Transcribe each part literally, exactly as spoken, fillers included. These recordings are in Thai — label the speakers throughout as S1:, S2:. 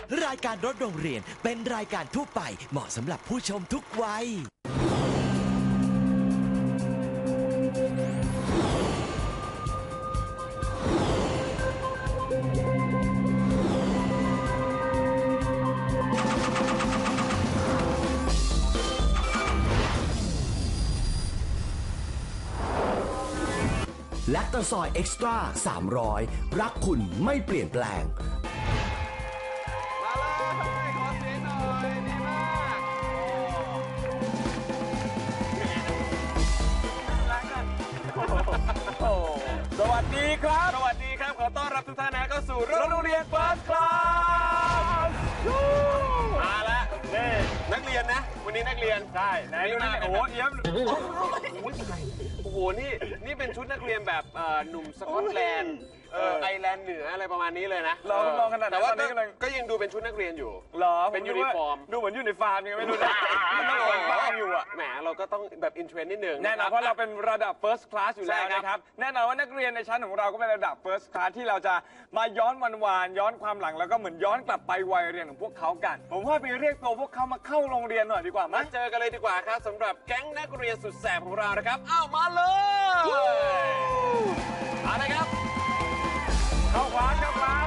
S1: รายการรถโรงเรียนเป็นรายการทั่วไปเหมาะสำหรับผู้ชมทุกวัยแลคโตซอยเอ็กซ์ตร้าสามร้อยรักคุณไม่เปลี่ยนแปลง
S2: มาเลยขอเสียงหน่อยดีมากโอ้สวัสดีครับสวัสดีครับขอต้อนรับทุกท่านนะเข้าสู่โรงเรียน First Class มาแล้วนี่นักเรียนนะวันนี้นักเรียนใช่ไหนดูนะโอ้โหเอี้ยมโอ้โหนี่นี่เป็นชุดนักเรียนแบบหนุ่มสกอตแลนด์ไอร์แลนด์เหนืออะไรประมาณนี้เลยนะ
S3: เราลองขนาดแต่ว่า
S2: ก็ยังดูเป็นชุดนักเรียนอยู่
S3: หรอ
S2: เป็นยูนิฟอร์ม
S3: ดูเหมือนอยู่ในฟาร์มยังไม่รู้นะมันต้องเป็นฟาร์มอยู่อ่ะ
S2: แหมเราก็ต้องแบบอินเทรนด์นิดนึง
S3: แน่นอนเพราะเราเป็นระดับ first class อยู่แล้วนะครับแน่นอนว่านักเรียนในชั้นของเราก็เป็นระดับ first class ที่เราจะมาย้อนวันวานย้อนความหลังแล้วก็เหมือนย้อนกลับไปวัยเรียนของพวกเขากันผมว่าไปเรียกตัวพวกเขามาเข้าโรงเรียนหน่อยดีกว่ามา
S2: เจอกันเลยดีกว่าครับสำหรับแก๊งนักเรียนสุดแสบของเรานะครับอ้าวมาเลยมาเลยครับ
S3: เข้าขวาเข้าขวา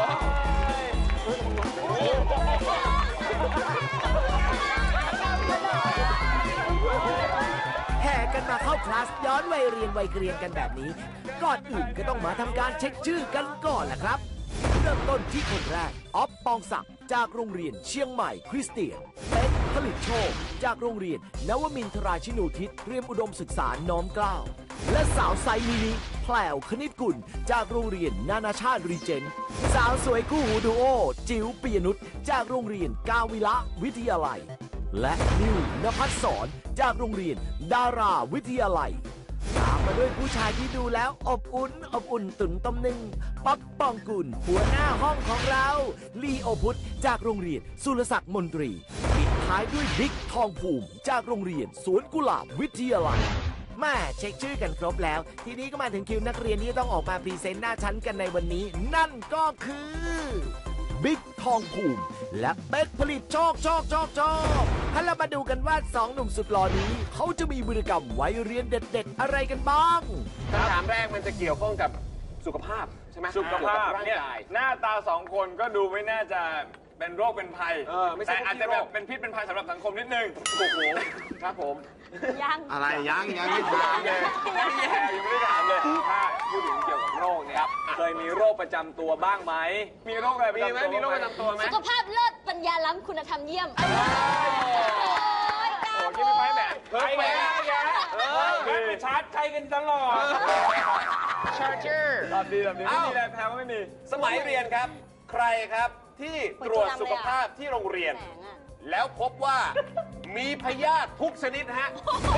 S1: แห่กันมาเข้าคลาสย้อนวัยเรียนวัยเกรียนกันแบบนี้ก่อนอื่นก็ต้องมาทำการเช็คชื่อกันก่อนแหละครับเริ่มต้นที่คนแรกอ๊อฟปองศักดิ์จากโรงเรียนเชียงใหม่คริสเตียนเป๊กผลิตโชคจากโรงเรียนนวมินทราชินูทิศเตรียมอุดมศึกษาน้อมเกล้าและสาวไซมินิแพลวคณิตกุลจากโรงเรียนนานาชาติรีเจนต์สาวสวยคู่หูดูโอจิ๋วปิยนุชจากโรงเรียนกาวิละวิทยาลัยและนิวนภัสสรจากโรงเรียนดาราวิทยาลัยตามมาด้วยผู้ชายที่ดูแล้วอบอุ่นอบอุ่นตุ่นต้มหนึ่งป๊อปปองกุลหัวหน้าห้องของเราลีโอพุทธจากโรงเรียนสุรศักดิ์มนตรีปิดท้ายด้วยบิ๊กทองภูมิจากโรงเรียนสวนกุหลาบวิทยาลัยแม่เช็คชื่อกันครบแล้วทีนี้ก็มาถึงคิวนักเรียนที่ต้องออกมาพรีเซนต์หน้าชั้นกันในวันนี้นั่นก็คือบิ๊กทองภูมิและเป๊กผลิตโชคโชคโชคโชคให้เรามาดูกันว่าสองหนุ่มสุดหล่อนี้เขาจะมีวิธีกรรมวัยเรียนเด็ดๆอะไรกันบ้าง
S2: คำถามแรกมันจะเกี่ยวข้องกับสุขภาพใช่ไหม
S3: สุขภาพเนี่ยหน้าตาสองคนก็ดูไม่น่าจะเป็นโรคเป็นภัยแต่อาจจะแบบเป็นพิษเป็นภัยสำหรับสังคมนิดนึง
S2: โอ้โหครับผม
S4: ยัง
S2: อะไรยังยังไม่ถามเลย
S3: ยังไม่แย่ยังไม่ได้ถามเลยถ้าพูดถึงเกี่ยวกับโรคเนี่ยเคยมีโรคประจำตัวบ้างไหมมีโรคอะไรประจำตัว
S2: มีโรคประจำตัวไหม
S4: สุขภาพเลิศปัญญาล้ำคุณธรรมเยี่ยม
S3: โอ้ยกล้าพูดไปแบบเฮ้ยแย่แย่เฮ้ยชาร์จใครกันตลอด
S2: ชาร์เจอร์
S3: ตอบดีตอบดีไม่มีอะไรแพ้ก็ไม่มี
S2: สมัยเรียนครับใครครับที่ตรวจสุขภาพที่โรงเรียนแล้วพบว่ามีพยาธิทุกชนิดฮะ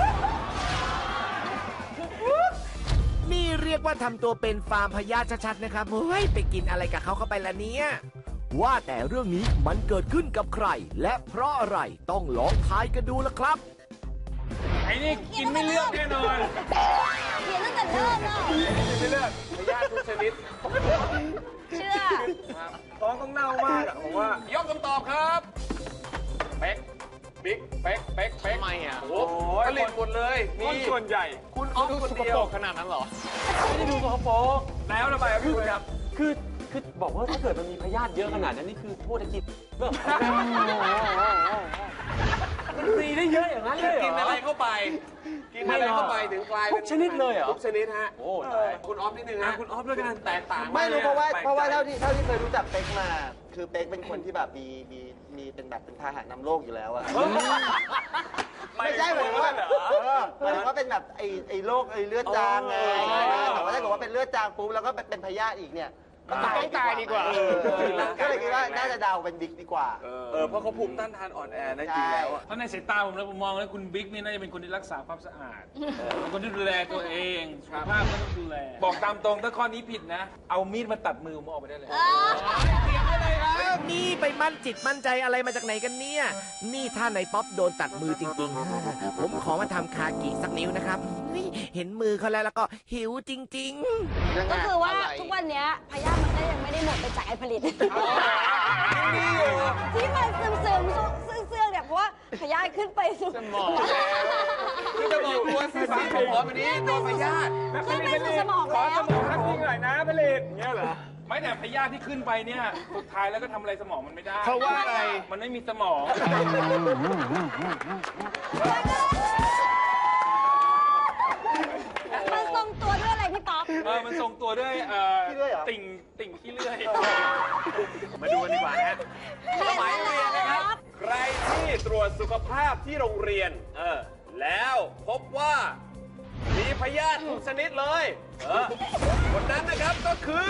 S1: นี่เรียกว่าทำตัวเป็นฟาร์มพยาธิชัดๆนะครับเฮ้ยไปกินอะไรกับเขาเข้าไปละเนี่ยว่าแต่เรื่องนี้มันเกิดขึ้นกับใครและเพราะอะไรต้องลองทายกันดูละครับ
S3: ไอ้นี่กินไม่เลือกแน่นอน
S4: เขียนตั้งแต่เริ่มแล้ว
S3: กินไม่เลือก
S2: พยาธิทุกชนิด
S4: เชื่อ
S3: ท้องต้องเน่ามากอะผมว่าย
S2: กคำตอบครับเป๊กบิ๊กเป๊กเป๊กเป๊ก
S3: ทำไมอ่ะ
S2: โอ้โหผลิตหมดเลย
S3: นี่ส่วนใหญ่
S2: คุณออฟคนเดียว
S3: ขนาดนั้นเหรอไม่ได้ดูสกปรกแล้วทำไมครับพี่ครับ
S5: คือคือบอกว่าถ้าเกิดมันมีพยาธิเยอะขนาดนั้นนี่คือโทษกิจเรื่องมันมีได้เยอะอย่างนั้นเลยเหรอ
S2: กินอะไรเข้าไปกินอะไรเข้าไปถึงกลายเป็น
S5: ทุกชนิดเลยเหรอ
S2: ทุกชนิดฮะ
S5: โอ้
S2: คุณออฟนิดนึงฮะ
S5: คุณออฟด้วยกัน
S2: แตกต่าง
S6: ไม่รู้เพราะว่าเพราะว่าเท่าที่เท่าที่เคยรู้จักเป๊กมาคือเป๊กเป็นคนที่แบบมีมีมีเป็นแบบเป็นพาหะนำโรคอยู่แล้วอะไม่ใช่เหมือนว่าหมายถึงว่าเป็นแบบไอไอโรคไอเลือดจางไงแต่ว่าถ้าเกิดว่าเป็นเลือดจางปุ๊บแล้วก็เป็นพยาธิอีกเนี่ย
S3: ต้องตายดีกว่า
S6: ก็เลยคิดว่าน่าจะเดาเป็นบิ๊กดีกว่า
S3: เออเพราะเขาภูมิต้านทานอ่อนแอได้จริงแล้ว
S5: เพราะในสายตาผมแล้วผมมองแล้วคุณบิ๊กนี่น่าจะเป็นคนที่รักษาความสะอาดเป็นคนที่ดูแลตัวเองสุขภาพก็ต้องดูแลบอกตามตรงถ้าข้อนี้ผิดนะเอามีดมาตัดมือผมออกไปได้เลย
S1: เตรียมได้เลยครับนี่ไปมั่นจิตมั่นใจอะไรมาจากไหนกันเนี่ยนี่ถ้าในป๊อปโดนตัดมือจริงๆผมขอมาทำคากิสักนิ้วนะครับเห็นมือเขาแล้วแล้วก็หิวจริง
S4: ๆก็คือว่าทุกวันนี้พยาธิมันก็ยังไม่ได้หมดไปจากไอผลิตที่มันซึมซึมๆซึ่งเสื่องๆเนี่ยเพราะว่าพยาธิขึ้นไปสู่สมอง
S2: คือจะบอกตัวสื่อสารของหมอวันนี้โดนพยาธิ
S4: ขึ้นไปสู่สมอง
S3: ขอ
S4: แล้ว
S3: สมองทักทีหน่อยนะผลิตเงี้ยเหรอไม่แต่พยาธิที่ขึ้นไปเนี่ยสุดท้ายแล้วก็ทำอะไรสมองมันไม่ได้เพราะว่าอะไรมันไม่มีสมอง
S4: มันทรงตัวด้วยอะไรพี่ป๊อป
S3: เออมันทรงตัวด้วยเอ่อ
S6: ขี้เลื่อยเหรอ
S3: ติ่งติ่งขี้เลื่อย
S2: มาดูกันดีกว่านะสมัยเรียนนะครับ ใครที่ตรวจสุขภาพที่โรงเรียน เออ แล้วพบว่า มีพยาธิทุกชนิดเลย เออ คนนั้นนะครับก็คือ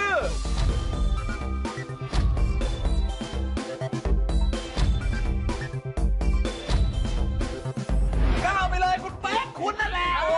S2: ก้าวไปเลยคุณเป๊กคุณนั่นแหละโอ้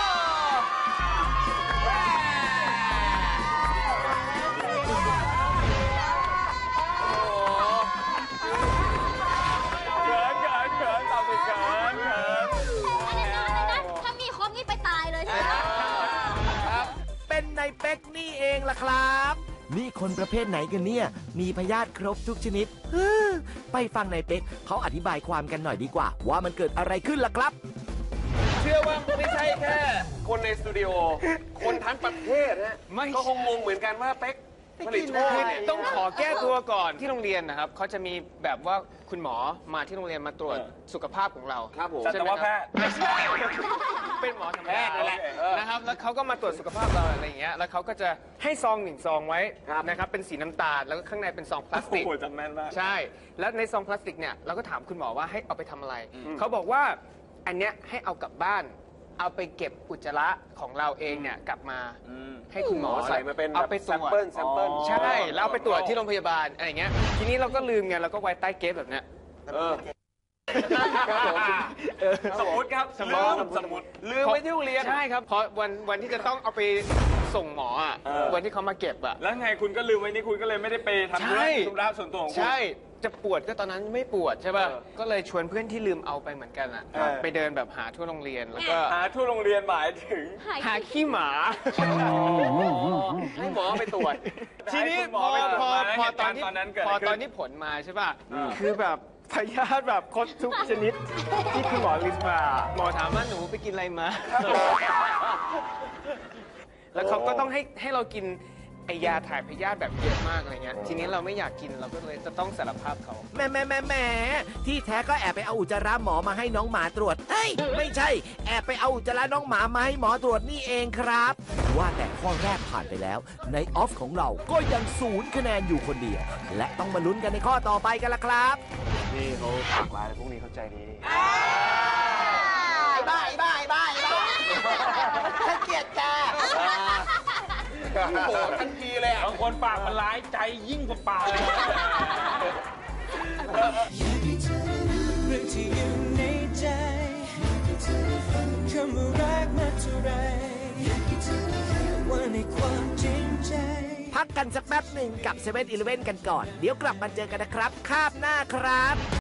S3: เขินเขินเขินตอบสิเขินเขิน
S4: อะไรนะอะไรนะถ้ามีครบนี่ไปตายเลยใช่ไหม
S1: เป็นในเป๊กนี่เองล่ะครับ นี่คนประเภทไหนกันเนี่ย มีพยาธิครบทุกชนิดฮึ่มไปฟังในเป๊กเขาอธิบายความกันหน่อยดีกว่า ว่ามันเกิดอะไรขึ้นล่ะครับ
S2: เชื่อว่าไม่ใช่แค่ คนในสตูดิโอ คนทั้งประเทศนะก็คงงงเหมือนกันว่าเป๊กผลิตโชคเนี่ย
S7: ต้องขอแก้ตัวก่อนที่โรงเรียนนะครับเขาจะมีแบบว่าคุณหมอมาที่โรงเรียนมาตรวจสุขภาพของเรา
S2: ครับผม
S3: สัตวแพทย์
S7: ไม่ใช่เป็นหมอธรรม
S2: แพ
S7: ดา
S2: ทย์นั่นแหละเออ
S7: นะครับแล้วเขาก็มาตรวจสุขภาพเราอะไรอย่างเงี้ยแล้วเขาก็จะให้ซองหนึ่งซองไว้
S2: ครับ
S7: นะครับเป็นสีน้ำตาลแล้วก็ข้างในเป็นซองพลาสติก
S3: โอ้โหจำแม่นมาก
S7: ใช่ แล้วในซองพลาสติกเนี่ยเราก็ถามคุณหมอว่าให้เอาไปทำอะไร เขาบอกว่าอันเนี้ยให้เอากลับบ้าน เอาไปเก็บอุจจาระของเราเองเนี่ยกลับมาให้คุณหมอ
S2: ใส่มาเป็น
S7: เอาไปตรวจ
S2: sample sample
S7: ใช่แล้วเอาไปตรวจที่โรงพยาบาลอะไรอย่างเงี้ยทีนี้เราก็ลืมไงเราก็ไว้ใต้เกฟแบบเนี้ย
S2: เออสมมติครับ
S7: สมมุติ
S2: ลืมสมมติลืมไว้ที่โรงเรียน
S7: ใช่ครับเพราะวันวันที่จะต้องเอาไปส่งหมออ่ะ
S3: เออ
S7: วันที่เขามาเก็บอ่ะ
S3: แล้วไงคุณก็ลืมไว้นี่คุณก็เลยไม่ได้ไปทำ
S7: ใช่
S3: ธุระส่วนตัวของคุณ
S7: ใช่จะปวดก็ตอนนั้นไม่ปวดใช่ป่ะ
S3: เออ
S7: ก็เลยชวนเพื่อนที่ลืมเอาไปเหมือนกันอ่ะ
S3: เออ
S7: ไปเดินแบบหาทั่วโรงเรียนแล้วก็
S3: หาทั่วโรงเรียนหมายถึง
S7: หาขี้หมา
S2: ให้หมอไปตรวจ
S7: ทีนี้
S3: ให้คุณหม
S7: พ
S3: อ
S7: อ
S3: ไปตรวจ
S7: พอ
S3: มาแล้ว
S7: พอ
S3: เหตุ
S7: ตอ
S3: การ
S7: น
S3: ณ์
S7: ที่
S3: ตอนนั้นเกิด
S7: พ
S3: อะ
S7: อ
S3: ไรขึ้น
S7: ตอนที่ผลมาใช่ป่ะคือแบบพยาธิแบบครบทุกชนิดที่คุณหมอลิสต์มาหมอถามว่าหนูไปกินอะไรมา แล้วเขาก็ต้องให้ให้เรากินไอยาถ่ายพยาธิแบบเยอะมากอะไรเงี้ยทีนี้เราไม่อยากกินเราก็เลยจะต้องสารภาพเขา
S1: แหม่แหม่แหม่แหม่ที่แท้ก็แอบไปเอาอุจจาระหมอมาให้น้องหมาตรวจเอ้ยไม่ใช่ แอบไปเอาอุจจาระน้องหมามาให้หมอตรวจนี่เองครับ ว่าแต่ข้อแรกผ่านไปแล้ว ในออฟของเราก็ยังศูนย์คะแนนอยู่คนเดียว และต้องมาลุ้นกันในข้อต่อไปกันละครับ
S2: นี่เขาปากร้ายพวกนี้เข้าใจดี
S6: ไอ้บ้าไอ้บ้าไอ้บ้าไอ้บ้าฉันเกลียดแก
S2: โอ้โหทันทีเลยอ่ะ
S3: บางคนปากมันร้ายใจยิ่งกว่าปากเลย
S8: เรื่องที่อยู่ในใจคำว่ารักมาเท่าไรว่าในความจริงใจ
S1: พักกันสักแป๊บหนึ่งกับเซเว่นอีเลฟเว่นกันก่อน เดี๋ยวกลับมาเจอกันนะครับคาบหน้าครับ